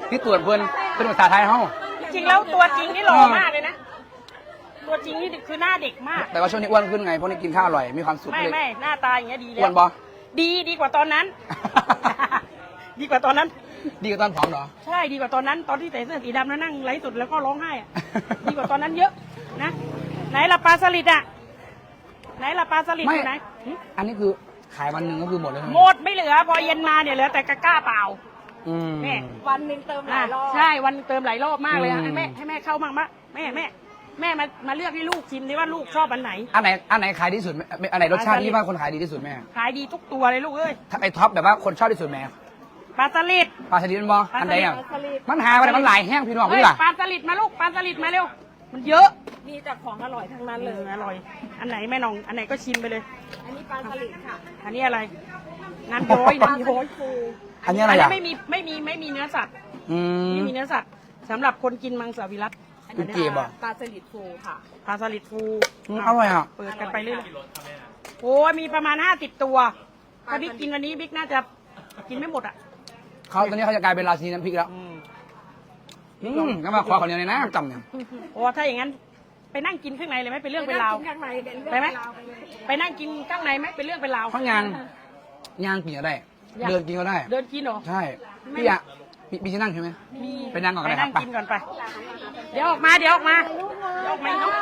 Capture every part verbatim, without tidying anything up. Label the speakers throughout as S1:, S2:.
S1: ที่ตรวจเพื่อนเป็นภาษาไทยเฮ้า
S2: จริงแล้วตัวจริงนี่หล่อมากเลยนะตัวจริงนี่คือหน้าเด็กมาก
S1: แต่ว่าช่วงนี้อ้วนขึ้นไงเพราะนี่กินข้าวอร่อยมีความสุข
S2: ไม่ไม่หน้าตาอย่างเงี้ยดีแล้ว
S1: อ้วนบอ
S2: ดีดีกว่าตอนนั้น ดีกว่าตอนนั้น
S1: ดีกว่าตอนผอมเหรอ
S2: ใช่ดีกว่าตอนนั้นตอนที่ใส่เสื้อสีดำแล้วนั่งไร้สุดแล้วก็ร้องไห้อะดีกว่าตอนนั้นเยอะนะไหนละปลาสลิดอ่ะไหนละปลาสลิดอยู่ไหน
S1: อันนี้คือขายวันหนึ่งก็คือหมดเลย
S2: หมดไม่เหลือพอเย็นมาเนี่ยเหลือแต่กระก้าเปล่า
S1: แม่
S2: วันหนึ่งเติมหลายรอบใช่วันเติมหลายรอบมากเลยให้แม่ให้แม่เข้ามั่งมะแม่แม่แม่มามาเลือกให้ลูกชิมดิว่าลูกชอบอันไหน
S1: อันไหนอันไหนขายดีที่สุดอันไหนรสชาติที่ว่าคนขายดีที่สุดแม่
S2: ขายดีทุกตัวเลยลูกเอ้ย
S1: ไอท็อปแบบว่าคนชอบที่สุดแม่
S2: ปลาสลิด
S1: ปลาสลิดมันบออันไหนอ่ะมันหาอะไรมันหลายแห้งพี่น้องพี่ล่ะ
S2: ปลาสลิดมาลูกปลาสลิดมาเร็วมันเยอะ
S3: มีแต่ของอร่อยทั้งนั้นเลย
S2: อร่อยอันไหนแม่น้องอันไหนก็ชิมไปเลย
S3: อันนี้ปลาสลิดค่ะ
S2: อันนี้อะไรน้ำย้อยน้ำย้อยฟู
S1: อันนี้อะไรอ่ะ
S2: ไม่มีไม่มีไม่มีเนื้อสัตว์ไม่มีเนื้อสัตว์สำหรับคนกินมังสวิรัติ
S1: อันนี้
S3: ปลาสลิดฟูค่ะ
S2: ปลาสลิดฟู
S1: อร่อยอ่ะ
S2: เปิดกันไปเรื่อยโอ้มีประมาณห้าสิบตัวถ้าบิ๊กกินวันนี้บิ๊กน่าจะกินไม่หมดอ่ะ
S1: เขาตอนนี้เขาจะกลายเป็นราชินีน้ำพริกแล้วอืมก็มาขอเขาเนี่ยนะจำเนี่ย
S2: โอ้ถ้าอย่างนั้นไปนั่งกินข้างในเลยไหมเป็นเรื่องเป็นราวไปไหมไปนั่งกินข้างในไหมเป็นเรื่องเป็นราว
S1: ข้างยางยางกินก็ได้เดินกินก็ได้
S2: เดินกินเหรอ
S1: ใช่พี่อะพี่จะนั่งใช่ไหม
S2: มี
S1: ไปนั่งก่อนไป
S2: นั่งกินก่อนไปเดี๋ยวออกมาเดี๋ยวออกมาเดี๋ยวออกมาเนาะ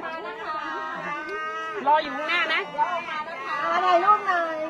S2: รออยู่ข้างหน้านะ
S3: อะไรลูกหน่อย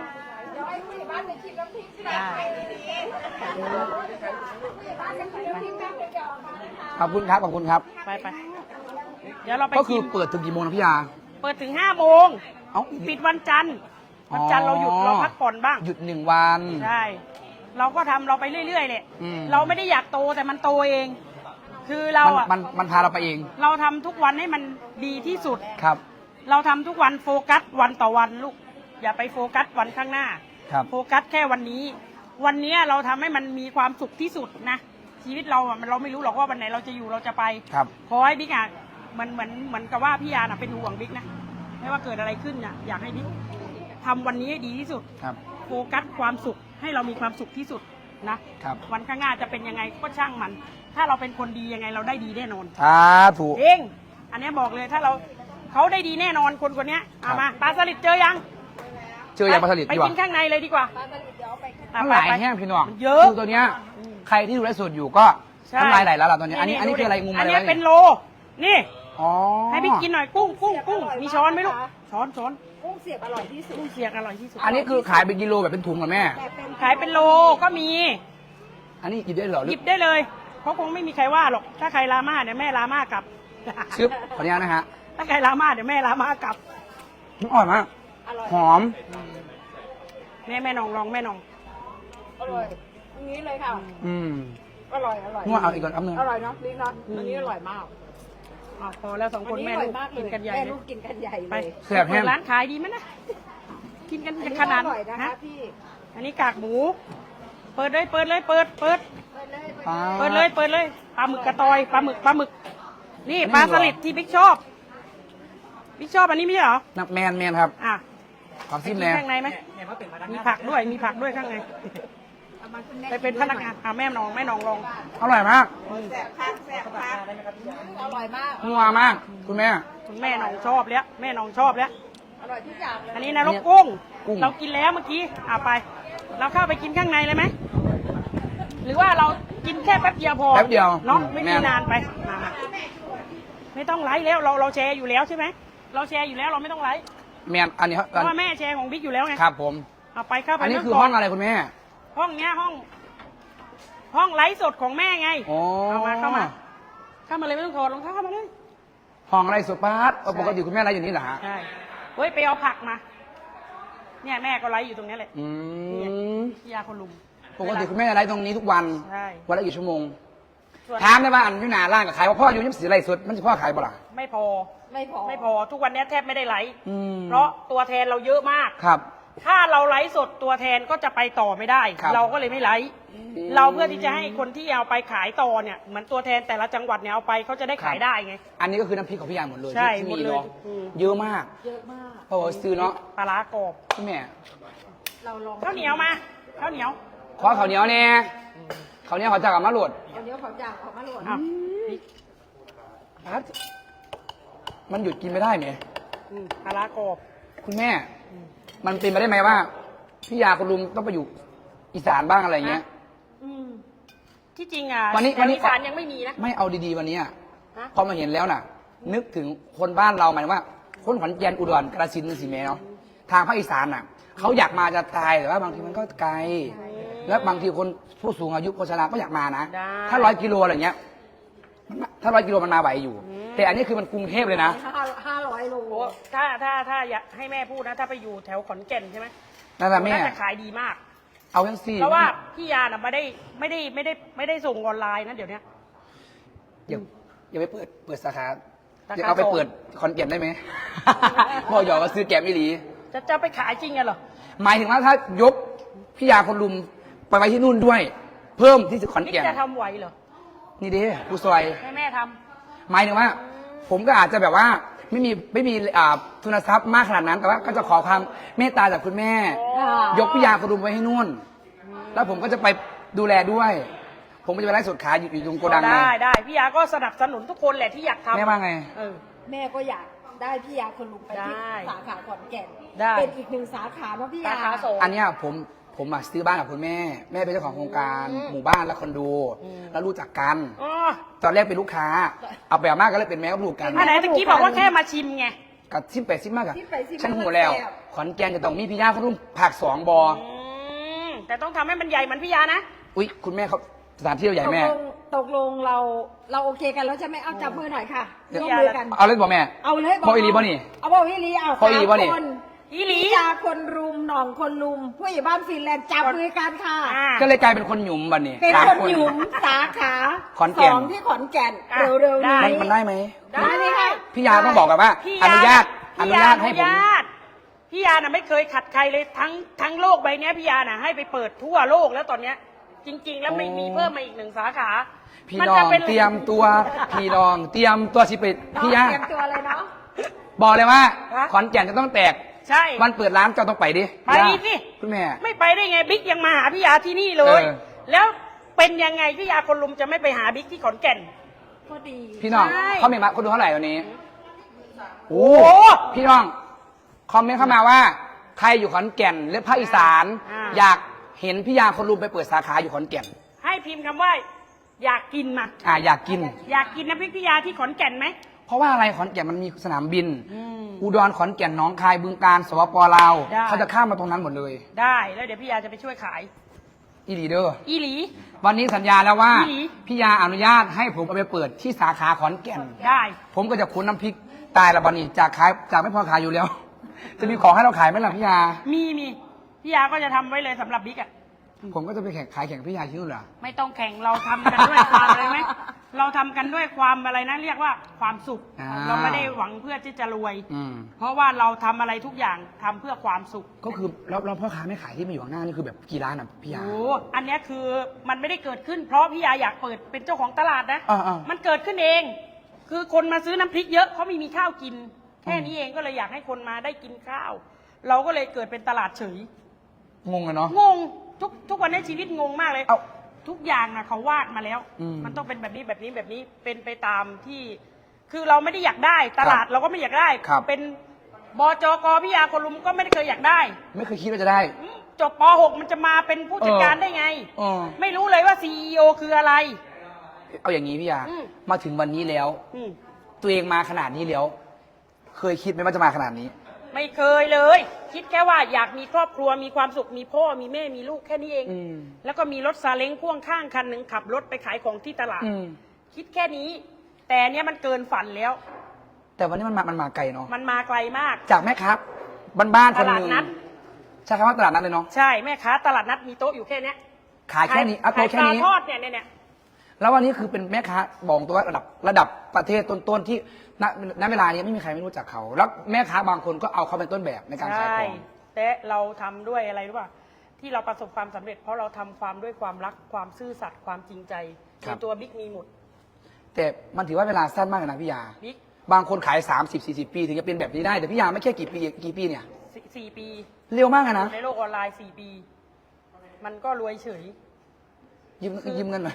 S1: ขอบคุณครับขอบคุณครับ
S2: ไปไปเดี๋ยวเราไป
S1: ก็คือเปิดถึงกี่โมงนะพี่ยา
S2: เปิดถึงห้าโมงปิดวันจันทร์วันจันทร์เราหยุดเราพักผ่อนบ้าง
S1: หยุดหนึ่งวัน
S2: ใช่เราก็ทำเราไปเรื่อยๆเลยเราไม่ได้อยากโตแต่มันโตเองคือเราอ่ะ
S1: มันมันพาเราไปเอง
S2: เราทำทุกวันให้มันดีที่สุด
S1: ครับ
S2: เราทำทุกวันโฟกัสวันต่อวันลูกอย่าไปโฟกัสวันข้างหน้าโฟกัสแค่วันนี้วันนี้เราทำให้มันมีความสุขที่สุดนะชีวิตเราอ่ะมันเราไม่รู้หรอกว่าวันไหนเราจะอยู่เราจะไปขอให้บิ๊กอ่ะมันเหมือนเหมือนกับว่าพี่ยาน่ะเป็นห่วงบิ๊กนะไม่ว่าเกิดอะไรขึ้นน่ะอยากให้บิ๊กทำวันนี้ให้ดีที่สุดโฟกัสความสุขให้เรามีความสุขที่สุดนะวันข้างหน้าจะเป็นยังไงก็ช่างมันถ้าเราเป็นคนดียังไงเราได้ดีแน่นอน
S1: อ่าถูก
S2: เองอันนี้บอกเลยถ้าเราเขาได้ดีแน่นอนคนคนนี้เอามาปลาสลิดเจอยัง
S1: เจอยังปลาสลิด
S2: ไปกินข้างในเลยดีกว่า
S1: น้ำลายแห้งพี่น้องเยอะคือตัวเนี้ยใครที่ดูไลฟ์สดอยู่ก็น้ำลายไหลแล้วล่ะตอนนี้อันนี้อันนี้คืออะไรงูอะไร
S2: อันนี้เป็นโลนี่ให้พี่กินหน่อยกุ้งกุ้งกุ้งมีช้อนไหมลูกช้อนช้อน
S3: กุ้งเสียบอร่อยที่สุด
S2: กุ้งเสียบอร่อยที่สุด
S1: อันนี้คือขายเป็นกิโลแบบเป็นถุงเหรอแม่
S2: ขายเป็นโลก็มี
S1: อันนี้หยิบได้เหรอ
S2: หยิบได้เลยเพราะคงไม่มีใครว่าหรอกถ้าใครลาม่าเดี๋ยวแม่ลาม่ากลับ
S1: ชึบขออนุญาตนะฮะ
S2: ถ้าใครลาม่าเดี๋ยวแม่ลาม่ากลับ
S1: อร่อยมากหอม
S2: แม่แม่น้องลองแม่น้อง
S3: อร่อยอันนี้เลยค่ะ
S1: อืม
S3: อร่อยอร่อย
S1: งัวเอาอีกก่อนอันนึง
S3: อร่อยเนาะนี่เนาะอันนี้อร่อยมาก
S2: อ๋อพอแล้วสองคนแม่ลูกกินกันใหญ่
S3: แม่ลูกกินกันใหญ่เลย
S1: แซ่บแห้ง
S2: ร้านขายดีไหมนะกินกันขนาด
S3: นะพี่
S2: อันนี้กากหมูเปิดเลยเปิดเลยเปิดเปิดเปิดเลยเปิดเลยปลาหมึกกระตอยปลาหมึกปลาหมึกนี่ปลาสลิดที่บิ๊กชอบบิ๊กชอบอันนี้ไม่ใช่เหรอ
S1: นักแมนแมนครับ
S2: อ่ะ
S1: ขอซิมแน่
S2: ข้างในไหมมีผักด้วยมีผักด้วยข้างในไปเป็นพนักงานอ่ะแม่น้องแม่น้องลอง
S1: อร่อยมาก
S3: แซ่บผักแซ่บผักอร่อยมาก
S1: นัวมากคุณแม่
S2: คุณแม่น้องชอบแล้วแม่น้องชอบแล้ว
S3: อร่อยทุกอย่างเลย
S2: อันนี้นะรกกุ้งเรากินแล้วเมื่อกี้อ่ะไปเราเข้าไปกินข้างในเลยไหมหรือว่าเรากินแค่แป๊บเดียวพอ
S1: แป๊บเดียว
S2: เนาะไม่มีนานไปมาไม่ต้องไลฟ์แล้วเราเราแชร์อยู่แล้วใช่ไหมเราแชร์อยู่แล้วเราไม่ต้องไลฟ์
S1: แม่อันนี้
S2: เพราะว่าแม่แชร์ของบิ๊กอยู่แล้วไง
S1: ครับผม
S2: เอาไปเข้าไป
S1: อันนี้คือห้องอะไรคุณแม่
S2: ห้องเนี้ยห้องห้องไลฟ์สดของแม่ไงเอามาเข้ามาเข้ามาเลยไม่ต้องถอดรองเท้าเข้ามาเลย
S1: ห้องไลฟ์สดปาร์ตปกติคุณแม่ไลฟ์อยู่นี่เหรอฮะ
S2: ใช่เฮ้ยไปเอาผักมาเนี่ยแม่ก็ไลฟ์อยู่ตรงนี้เลย
S1: อืม
S2: พี่ยาคนลุม
S1: ปกติคุณแม่ไลฟ์ตรงนี้ทุกวัน
S2: ใช่
S1: วันละกี่ชั่วโมงถามได้ว่าอันยุนาล่างกับขายว่าพ่ออยู่ยิ้มสีไรสุดมันจะพ่อขายบ่ล่ะ
S2: ไม่พอ
S3: ไม่พอ
S2: ไม่พอทุกวันนี้แทบไม่ได้ไลฟ์เพราะตัวแทนเราเยอะมาก
S1: ครับ
S2: ถ้าเราไลฟ์สดตัวแทนก็จะไปต่อไม่ได้เราก็เลยไม่ไลฟ์เราเพื่อที่จะให้คนที่เอาไปขายต่อเนี่ยเหมือนตัวแทนแต่ละจังหวัดเนี่ยเอาไปเขาจะได้ขายได้ไง
S1: อันนี้ก็คือน้ำพริกของพี่ยาหมดเลย
S2: ใช่
S1: ที่
S2: มี
S1: เนาะเยอะมาก
S3: เยอะมาก
S1: เพราะว่าซื้อเนาะ
S2: ปลาร้ากรอบ
S1: พี่แม่
S2: เราลองข้าวเหนียวมาข้าวเหนียว
S1: ขอข้าวเหนียวเนี่ยข้าวเหนียวเขาจะกลับมาโหลด
S3: เดียวเขาอยากออกมาโหลด
S2: อ่ะ
S1: พัดมันหยุดกินไม่ได้ไหม
S2: อืมปลาร้ากรอบ
S1: คุณแม่ มันเป็นไปได้ไหมว่าพี่ยาคุณลุงต้องไปอยู่อีสานบ้างอะไรเงี้ย
S2: อืมที่จริงอ่ะ
S1: วันนี้
S2: แถ
S1: วัน
S2: ว
S1: นี้
S2: อีสานยังไม่มีนะ
S1: ไม่เอาดีๆวันนี้อะ
S2: ฮะ
S1: พอมาเห็นแล้วน่ะ นึกถึงคนบ้านเราหมายถึงว่า คนขอนแก่นอุดรกระสินธุ์สิแม่เนาะทางภาคอีสานน่ะเขาอยากมาจะตายแต่ว่าบางทีมันก็ไกล แล้วบางทีคนผู้สูงอายุโฆษณาก็อยากมานะ
S2: ได้
S1: ถ้าร้อยกิโลอะไรเงี้ยมันถ้าร้อยกิโลมันมาไหวอยู่ แต่อันนี้คือมันกรุงเทพเลยนะ
S3: ห้าห้าร้อยโล
S2: โอ้ถ้าถ้าถ้าอยากให้แม่พูดนะ ถ้าไปอยู่แถวขอนแก่นใช่ไหม
S1: นั่นแหละแม่
S2: น่าจะขายดีมาก
S1: เอาทั้งสี่
S2: เพราะว่าพี่ยาน่ะไม่ได้ไม่ได้ไม่ได้ไม่ได้ส่งออนไลน์นะเดี๋ยวนี้
S1: อย่าอย่าไปเปิดเปิดสาขา
S2: สาขา
S1: อย่าเอาไป
S2: สอง
S1: เปิดคอนแก่นได้ไหม พ่อหยอกก็ซื้อแกมไม่หลี
S2: จะจะไปขายจริงอะเหรอ
S1: หมายถึงว่าถ้ายกพี่ยาคนลุมไปไว้ที่นู่นด้วย เพิ่มที่ขอน
S2: นี่
S1: แก่น
S2: จะทำไหวเหรอ
S1: นี่ดิผู้ซอย
S2: ให้แม่ท
S1: หมายถึงว่า ผมก็อาจจะแบบว่าไม่มีไม่มีอ่าทุนทรัพย์มากขนาดนั้น แต่ว่าก็จะขอความเมตตาจากคุณแม่ ยกพี่ยาคนลุมไว้ให้นู่น แล้วผมก็จะไปดูแลด้วย ผมก็จะไปไล่สดขายอยู่อยู่ตรงโก
S2: ำ
S1: ดังไง
S2: ได้ได้พี่ยาก็สนับสนุนทุกคนแหละที่อยากทำ
S1: แม่ว่าไง
S2: เออ
S3: แม่ก็อยากได้พี่ยาคนลุงไปที่
S2: ได้
S3: สาขาขอนแก่น
S2: ได้
S3: เป็นอีกหนึ่งสาขาเนาะพี่
S2: สาย
S3: า
S2: ขาสอง
S1: อันเนี้ยผมผมมาซื้อบ้านกับคุณแม่ แม่เป็นเจ้าของโครงการหมู่บ้านและคอนโด
S2: อืม
S1: แล้วรู้จักกัน
S2: อ๋อ
S1: ตอนแรกเป็นลูกค้า เอาไปเอามากก็เลยเป็นแม่กับลูกกัน
S2: อันไหนตะกี้บอกว่าแค่มาชิมไง
S1: กับซิมไปซิมมากอะ
S3: ซิมไปซิมมา
S1: ฉันหูแล้ว
S3: แซ่บ
S1: ขอนแก่นจะต้องมีพี่ย่าเขารุ่มผักสองบอ
S2: อืมแต่ต้องทำให้มันใหญ่เหมือนพี่ยานะ
S1: อุ๊ยคุณแม่เขาสถานที่เราใหญ่
S3: ตก
S1: แม่
S3: ลงตกลงเราเราโอเคกันแล้วใช่ไหมเอาจับมือหน่อยค่ะ
S1: เดี๋ยว
S3: ร่วมมือกัน
S1: เอาเลยบอกแม่
S3: เอาเลย
S1: บอกอีหลีบ่นี่
S3: เอาบอกอีหลีเอา
S1: บอกอีหลีบ่นี่
S3: สามคน
S2: อีหลี
S3: พี่ยาคนรุมหน่องคนลุมผู้ใหญ่บ้านฟินแลนด์จับมือกันค่ะ
S2: อ่า
S1: ก็เลยกลายเป็นคนหยุมบันนี้
S3: เป็น
S1: สาม
S3: คนหยุมสาขา
S1: ขอนแก่น
S3: สองที่ขอนแก่น
S2: อ่ะ
S3: เร็วๆ
S2: ได้
S3: นี้
S1: มันมันได้ไหม
S2: ได้
S3: ไหมคะ
S1: พี่ยาต้องบอกกันว่า
S2: พี่
S1: อนุญาตอ
S2: พี่
S1: นุญาตให้ผม
S2: อนุญาตพี่ยาน่ะไม่เคยขัดใครเลยทั้งทั้งโลกใบเนี้ยพี่ยาน่ะให้ไปเปิดทั่วโลกแล้วตอนเนี้ย จริง ๆ แล้วไม่มีเพิ่มมาอีกหนึ่งสาขา
S1: พี่
S2: มั
S1: น้อ
S2: จะ
S1: ง
S2: เป็น
S1: เตรียมตัว พี่น้องเตรียมตัวสิไปพี่ยา
S3: เตรียมตัวเลยเนาะ
S1: บอกเลยว่า
S2: ฮะ
S1: ขอนแก่นจะต้องแตก
S2: ใช่
S1: วันเปิดร้านเจ้าต้องไปดิ
S2: ไปสิ
S1: คุณแม่
S2: ไม่ไปได้ไงบิ๊กยังมาหาพี่ยาที่นี่เลย
S1: เออ
S2: แล้วเป็นยังไงพี่ยาคนลุมจะไม่ไปหาบิ๊กที่ขอนแก่น
S3: ก็ดี
S1: พี่น้อง
S2: ใช่
S1: เขาเมนต์มาคนดูเท่าไหร่วันนี้โอ้
S2: โอ้
S1: พี่น้องคอมเมนต์เข้ามาว่า ใครอยู่ขอนแก่นหรือภาคอีสาน
S2: อ่า
S1: อยากเห็นพี่ยาคนรุมไปเปิดสาขาอยู่ขอนแก่น
S2: ให้พิมพ์คำว่า อยากกินมา
S1: อ่าอยากกิน
S2: อยากกินน้ำพริกพี่ยาที่ขอนแก่นไหม
S1: เพราะว่าอะไรขอนแก่นมันมีสนามบิน
S2: อืม
S1: อุดรขอนแก่นหนองคายบึงกาฬสปปลาว
S2: ได้
S1: เขาจะข้ามมาตรงนั้นหมดเลย
S2: ได้แล้วเดี๋ยวพี่ยาจะไปช่วยขาย
S1: อีลีเดอร์
S2: อีหลี
S1: วันนี้สัญญาแล้วว่า
S2: อีหลี
S1: พี่ยาอนุญาตให้ผมเอาไปเปิดที่สาขาขอนแก่น
S2: ได้
S1: ผมก็จะคุ้นน้ำพริกตายละบันนี้จากขายจากไม่พอขายอยู่แล้ว จะมีของให้เราขายไหมล่ะพี่ยา
S2: มีมีพี่ยาก็จะทำไว้เลยสำหรับบิ๊กอ่ะ
S1: ผมก็จะไปแข่งขายแข่งพี่ยาที่นู่นเหรอ
S2: ไม่ต้องแข่งเราทำกันด้วยความอะไรไหมเราทำกันด้วยความอะไรนะเรียกว่าความสุข
S1: อ่า
S2: เราไม่ได้หวังเพื่อที่จะรวย
S1: อืม
S2: เพราะว่าเราทำอะไรทุกอย่างทำเพื่อความสุข
S1: ก็คือแล้วแล้วพ่อค้าไม่ขายที่มาอยู่ข้างหน้านี่คือแบบกี่ร้านอ่ะพี่ยา
S2: โอ้อันเนี้ยคือมันไม่ได้เกิดขึ้น เพราะพี่ยาอยากเปิดเป็นเจ้าของตลาดนะ
S1: อ่าๆ
S2: มันเกิดขึ้นเอง คือคนมาซื้อน้ำพริกเยอะเขาไม่มีข้าวกิน แค่นี้เองก็เลยอยากให้คนมาได้กินข้าว เราก็เลยเกิดเป็นตลาดเฉย
S1: งงอะเนาะ
S2: งงทุกทุกวันนี้ชีวิตงงมากเลย
S1: เอ้า
S2: ทุกอย่างนะเขาวาดมาแล้ว
S1: อืม
S2: มันต้องเป็นแบบนี้แบบนี้แบบนี้เป็นไปตามที่ คือเราไม่ได้อยากได้ ตลาดเราก็ไม่อยากได้
S1: ครับ
S2: เป็นบจกพี่ยาคนลุมก็ไม่ได้เคยอยากได้
S1: ไม่เคยคิดว่าจะได้
S2: อืมจบป หก มันจะมาเป็นผู้จัดการได้ไง
S1: เออ
S2: ไม่รู้เลยว่าซีอีโอคืออะไร
S1: เอาอย่างนี้พี่ยา
S2: อืม
S1: มาถึงวันนี้แล้ว
S2: อืม
S1: ตัวเองมาขนาดนี้แล้ว เคยคิดไหมว่าจะมาขนาดนี้
S2: ไม่เคยเลย คิดแค่ว่าอยากมีครอบครัวมีความสุขมีพ่อมีแม่มีลูกแค่นี้เอง
S1: อืม
S2: แล้วก็มีรถซาเล้งพ่วงข้างคันหนึ่งขับรถไปขายของที่ตลาด
S1: อืม
S2: คิดแค่นี้ แต่เนี้ยมันเกินฝันแล้ว
S1: แต่วันนี้มันมามันมาไกลเนาะ
S2: มันมาไกลมาก
S1: จากแม่ค้าบ้านๆคนหนึ่ง
S2: ตลาดนัด
S1: ใช่คำว่าตลาดนัดเลยเนาะ
S2: ใช่แม่ค้าตลาดนัดมีโต๊ะอยู่แค่เนี้ย
S1: ขายแค่นี้เอา
S2: ขา
S1: โต๊ะ
S2: ย
S1: แค่
S2: ปลา
S1: นี้
S2: ทอดเนี่ยเนี่ยเนี่ย
S1: แล้ววันนี้คือเป็นแม่ค้าบอกตัวว่าระดับระดับประเทศต้นๆที่ณณเวลานี้ไม่มีใครไม่รู้จักเขา แล้วแม่ค้าบางคนก็เอาเขาเป็นต้นแบบในการขาย
S2: ใช่
S1: ของ
S2: แต่เราทำด้วยอะไรรู้ป่ะที่เราประสบความสำเร็จ เพราะเราทำความด้วยความรักความซื่อสัตย์ความจริงใจในตัวบิ๊กมีหมด
S1: แต่มันถือว่าเวลาสั้นมากเลยนะพี่ยา
S2: บิ๊ก
S1: บางคนขายสามสิบสี่สิบปีถึงจะเป็นแบบนี้ได้แต่พี่ยาไม่แค่กี่ปีกี่ปีเนี่ย
S2: สี่สี่ปี
S1: เร็วมากอะนะ
S2: ในโลกออนไลน์สี่ปี มันก็รวยเฉย
S1: ยืมยืมเงินหน่อย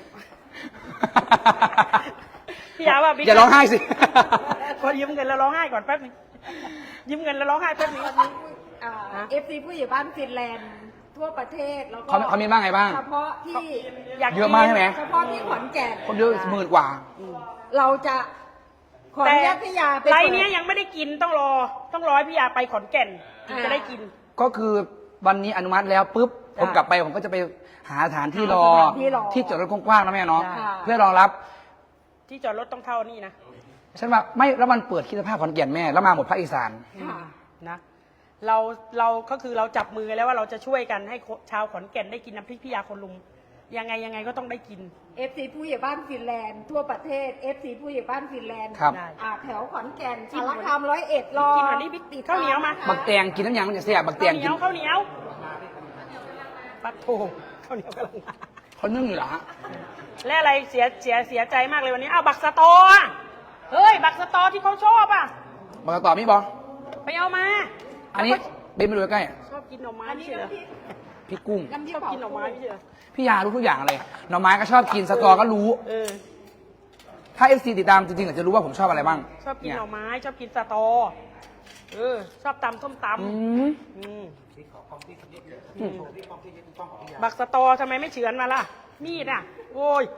S2: พี่ยาว่าบิ๊ก
S1: อย่าร้องไห้สิ
S2: พอยืมเงินแล้วร้องไห้ก่อนแป๊บนึงยืมเงินแล้วร้องไห้แป๊บนึง
S3: เอฟซีผู้ใหญ่บ้านฟินแลนด์ทั่วประเทศแล้วก็
S1: เขาเขามีบ้างไงบ้าง
S3: เฉพาะที่
S2: อยาก
S1: เยอะมากใช่ไหม
S3: เฉพาะที่ขอนแก่น
S1: คนเยอะหมื่นกว่า
S3: เราจะขออ
S2: แต่
S3: นุญาตพี่ยาไป
S2: ไร
S3: เปิด
S2: เนี้ยยังไม่ได้กินต้องรอ ต้องรอให้พี่ยาไปขอนแก่นถึงจะได้กิน
S1: ก็คือวันนี้อนุมัติแล้วปุ๊บผมกลับไปผมก็จะไปหาสถานที่รอ
S3: หาสถานที่รอ
S1: ที่จอดรถกว้างๆนะแม่เนาะ
S3: ค่ะ
S1: เพื่อรองรับ
S2: ที่จอดรถต้องเท่านี่นะ
S1: ฉันว่าไม่แล้วมันเปิดคิดสภาพขอนแก่นแม่แล้วมาหมดภาคอีสาน
S3: ค่ะ
S2: นะเราเราก็คือเราจับมือกันแล้วว่าเราจะช่วยกันให้ชาวขอนแก่นได้กินน้ำพริกพี่ยาคนลุงยังไงยังไงก็ต้องได้กิน
S3: เอฟซีผู้ใหญ่บ้านฟินแลนด์ทั่วประเทศเอฟซีผู้ใหญ่บ้านฟินแลนด์
S1: ครับ
S2: ได้
S3: อ่าแถวขอนแก่น
S2: กิน
S3: สารคามร้อยเอ็ดรอ
S2: กินวันนี้บิ๊กตีข้าวเหนียวมา
S1: บักแตงกินน้ำยางมันจะเสียบักแต
S2: ข้าว
S1: ง
S2: เหนี
S1: กิ
S2: ย
S1: น
S2: วข้าวเหนียวปัดโถข้าวเหนียวกำลังมา
S1: เขานึ่งอยู่เหรอฮะ
S2: และอะไรเสียเสียเสียใจมากเลยวันนี้อ้าวบักสะตออ่ะเฮ้ยบักสะตอที่เขาชอบอ่ะ
S1: บักต่อมีบอ
S2: ไปเอามา
S1: อันนี้เบนไปดูใกล้
S2: ชอบกินหน่อไม้
S3: อันนี้
S2: ใช่เหรอ
S3: น้ำพริก
S1: ๆพี่กุ้ง
S3: น้ำพริ
S2: ช
S3: ก
S2: อบ
S3: เผา
S2: กินหน่อไม้ไม่ใช่เหรอ
S1: พี่ยารู้ทุกอย่างเลยหน่อไม้ก็ชอบกินสตอก็รู้
S2: เออ
S1: ถ้าเอฟซีติดตามจริงๆอาจจะรู้ว่าผมชอบอะไรบ้าง
S2: ชอบกิน
S1: เย
S2: หน่อไม้ชอบกินสะตอเออชอบตำส้มตำ
S1: อืม
S2: อืมอืมบักสะตอทำไมไม่เฉือนมาล่ะ มีดอ่ะ โอ้ย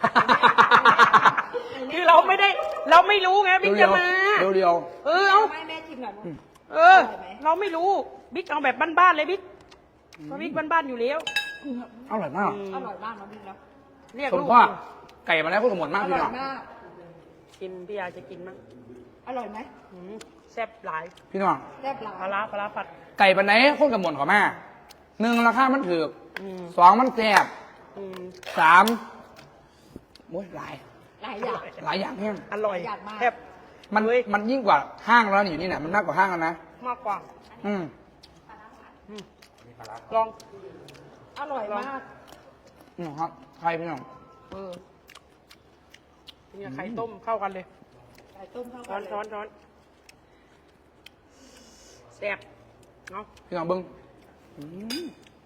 S2: คือเราไม่ได้ เราไม่รู้ไงบิ๊ก
S1: เรี
S2: จะ
S1: ยว
S2: มา
S1: ๆเรียว
S2: เออเอา
S3: ไม่แม่ชิมหน่อยนะ
S2: เออ
S3: อร่อยไหม
S2: เราไม่รู้บิ๊กเอาแบบบ้านๆเลยบิ๊กเพราะบิ๊กบ้านๆอยู่แล้ว
S1: ๆอร่อยมาก
S3: อร่อยมากน้ำพริกนะ
S2: เรียก
S1: ผม
S2: ลูก
S1: ว่าไก่มาแล้วก็สมบูรณ์มาก
S3: อ
S1: พี่
S3: ร่อ
S1: น้
S3: ย
S1: อง
S3: มาก
S2: กินพี่ยาจะกินมั้ง
S3: อร่อยไหม
S2: อืมแซ่บหลาย
S1: พี่น้อง
S3: แซ่บหลา
S2: ปลาย ร้าปลาร้าผัด
S1: ไก่ปันไหนคนกับหมดของแม่หนึ่งราคามันถือ
S2: อืม
S1: สองมันแซ่บ
S2: อืม
S1: สามโอ้ยหลาย
S3: หลายอย่าง
S1: หลายอย่างเพียง
S2: อร่อย
S3: อยากมาก
S2: แซ่บ
S1: มัน
S2: เฮ้ย
S1: มันยิ่งกว่าห้างแล้วนี่อยู่นี่นะมันมากกว่าห้างแล้วนะ
S2: มากกว่า
S1: อืม
S2: อืมลอง
S3: อร่อยมาก
S1: นี่ครับใครพี่น้อง
S2: เออนี่ไข่ต้มเข้ากันเลย
S3: ไก่ต้มเข้า
S2: ช้
S3: กั
S2: อน น
S3: เลย
S2: ช้อนช้อนแซ่บเนาะ
S1: พี่น้องเบิ้งอืม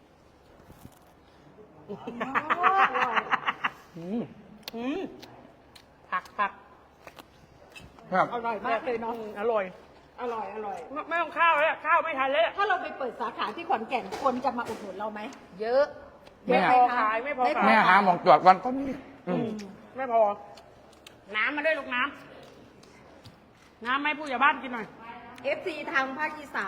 S1: อืม
S2: อืมผักผัก
S1: ครับ
S3: อร่อยมากเลยเนาะ
S2: อืมอร่อย
S3: อร่อยอร่อย
S2: ไม่ไม่ต้องข้าวแล้วข้าวไม่ทันแล้ว
S3: ถ้าเราไปเปิดสาขาที่ขอนแก่นคนจะมาอุดหนุนเราไหม เยอะ
S1: แม่
S3: เยอะไห
S2: พอ
S3: คะ
S2: ขายไม่พอ
S3: ไม่พ
S2: ขาย
S1: แม่หาหมองจอดวันต้นนี้อืม
S2: ไม่พอ น้ำมาด้วยลูกน้ำน้ำให้ผู้ใหญ่บ้านกินหน่อย
S3: เอฟซีทางภาคอีสาน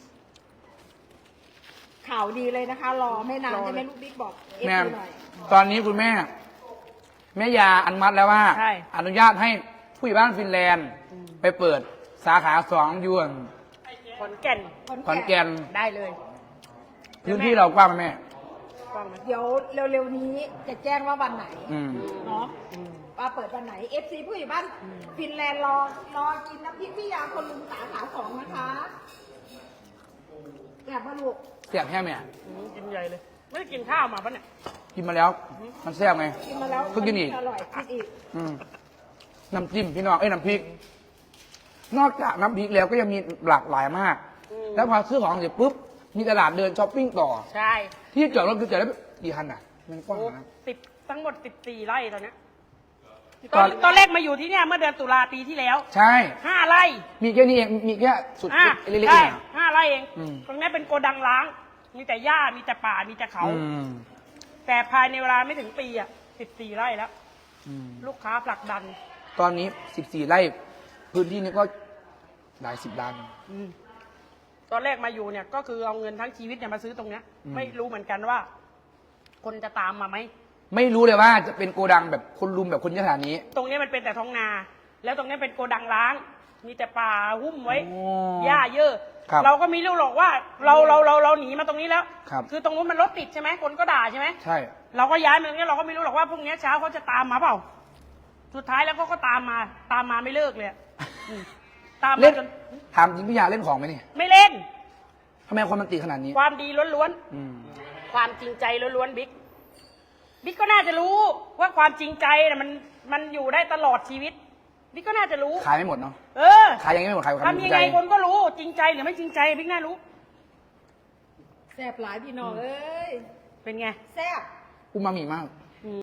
S3: ข่าวดีเลยนะคะ รอไม่นาน
S2: รอเลย
S3: ใช่ไหมลูกบิ๊กบอกเอฟ
S1: แม่
S3: ซีหน่อย
S1: ตอนนี้คุณแม่ แม่ยาอนุมัติแล้วว่า
S2: ใช่
S1: อนุญาตให้ผู้ใหญ่บ้านฟินแลนด์ ไปเปิดสาขาสองอยวน
S2: ขอนแก่น
S1: ขอนแก่น
S2: ได้เลย
S1: พื้นที่เรากว้างไหมแม่
S2: กว้างไหม
S3: เดี๋ยวเร็วๆนี้จะแจ้งว่าวันไหน
S1: อืม
S3: เนาะว่าเปิดวันไหนเอฟซีผู้ใหญ่บ้านฟินแลนด์รอรอกินน้ำพริกพี่ยาคนลุงสาขาสองนะคะแอบมาลูก
S1: เสียบแค่แม่
S2: อืมกินใหญ่เลย ไม่ได้กินข้าวมาปะเนี่ย
S1: กินมาแล้ว มันแซ่บไง
S3: กินมาแล้ว
S1: เพิ่งกินอีก
S3: อร่อยกินอีก
S1: อืมน้ำจิ้มพี่น้องเอ้ยน้ำพริก นอกจากน้ำพริกแล้วก็ยังมีหลากหลายมาก
S2: อืม
S1: แล้วพอซื้อของเสร็จปุ๊บ มีตลาดเดินช้อปปิ้งต่อ
S2: ใช่
S1: ที่จอดรถคือจอดได้กี่คันอ่ะ มันกว้าง
S2: โอ้
S1: นะ
S2: สิบทั้งหมดสิบสี่ไร่ตอนเนี้ย
S1: ต
S2: ต
S1: อ
S2: อน นตอนแรกมาอยู่ที่เนี่ยเมื่อเดือนตุลาปีที่แล้ว
S1: ใช่
S2: ห้าไร่
S1: มีแค่นี้เอง มีแค่สุด
S2: อ่ะ
S1: เล็กๆ
S2: ใช่
S1: เองอะ
S2: ห้าไร่เอง
S1: อืม
S2: ตรงนี้เป็นโกดังล้าง มีแต่หญ้ามีแต่ป่ามีแต่เขา
S1: อืม
S2: แต่ภายในเวลาไม่ถึงปีอ่ะสิบสี่ไร่แล้ว
S1: อืม
S2: ลูกค้าผลักดัน
S1: ตอนนี้สิบสี่ไร่ พื้นที่นี้ก็หลายสิบล้าน
S2: อืมตอนแรกมาอยู่เนี่ยก็คือเอาเงินทั้งชีวิตเนี่ยมาซื้อตรงเนี้ย
S1: อืม
S2: ไม่รู้เหมือนกันว่า คนจะตามมาไหม
S1: ไม่รู้เลยว่าจะเป็นโกดังแบบคนรุมแบบคนเยอะขนาดนี้
S2: ตรงนี้มันเป็นแต่ท้องนา แล้วตรงนี้เป็นโกดังล้าง มีแต่ป่าหุ้มไว้
S1: โอ้
S2: หญ้าเยอะ
S1: ครับ
S2: เราก็ไม่รู้หรอกว่า เราเราเราเราหนีมาตรงนี้แล้ว
S1: ครับ
S2: คือตรงนู้นมันรถติดใช่ไหมคนก็ด่าใช่ไหม
S1: ใช่
S2: เราก็ย้ายมาตรงนี้เราก็ไม่รู้หรอกว่าพรุ่งนี้เช้าเขาจะตามมาเปล่า สุดท้ายแล้วเขาก็ตามมา ตามมาไม่เลิกเลยอะอืมตาม
S1: เล่
S2: มาน จน
S1: ถามจริงพี่ยาเล่นของไหมเนี่ย
S2: ไม่เล่น
S1: ทำไมคนมันตีขนาดนี้
S2: ความดีล้วน
S1: อืม
S2: ๆ ความจริงใจล้วนๆบิ๊ก บิ๊กก็น่าจะรู้ว่าความจริงใจน่ะมันมันอยู่ได้ตลอดชีวิต บิ๊กก็น่าจะรู้
S1: ขายไม่หมดเนาะ
S2: เออ
S1: ขายยังไม่หมดขายความ
S2: ทำ
S1: จริ
S2: ยัง ง
S1: ใจ
S2: ไงคนก็รู้จริงใจหรือไม่จริงใจบิ๊กน่ารู้
S3: แซ่บหลายพี่น้องเอ้ย
S2: เป็นไง
S3: แซ่บ
S1: อูมามิมาก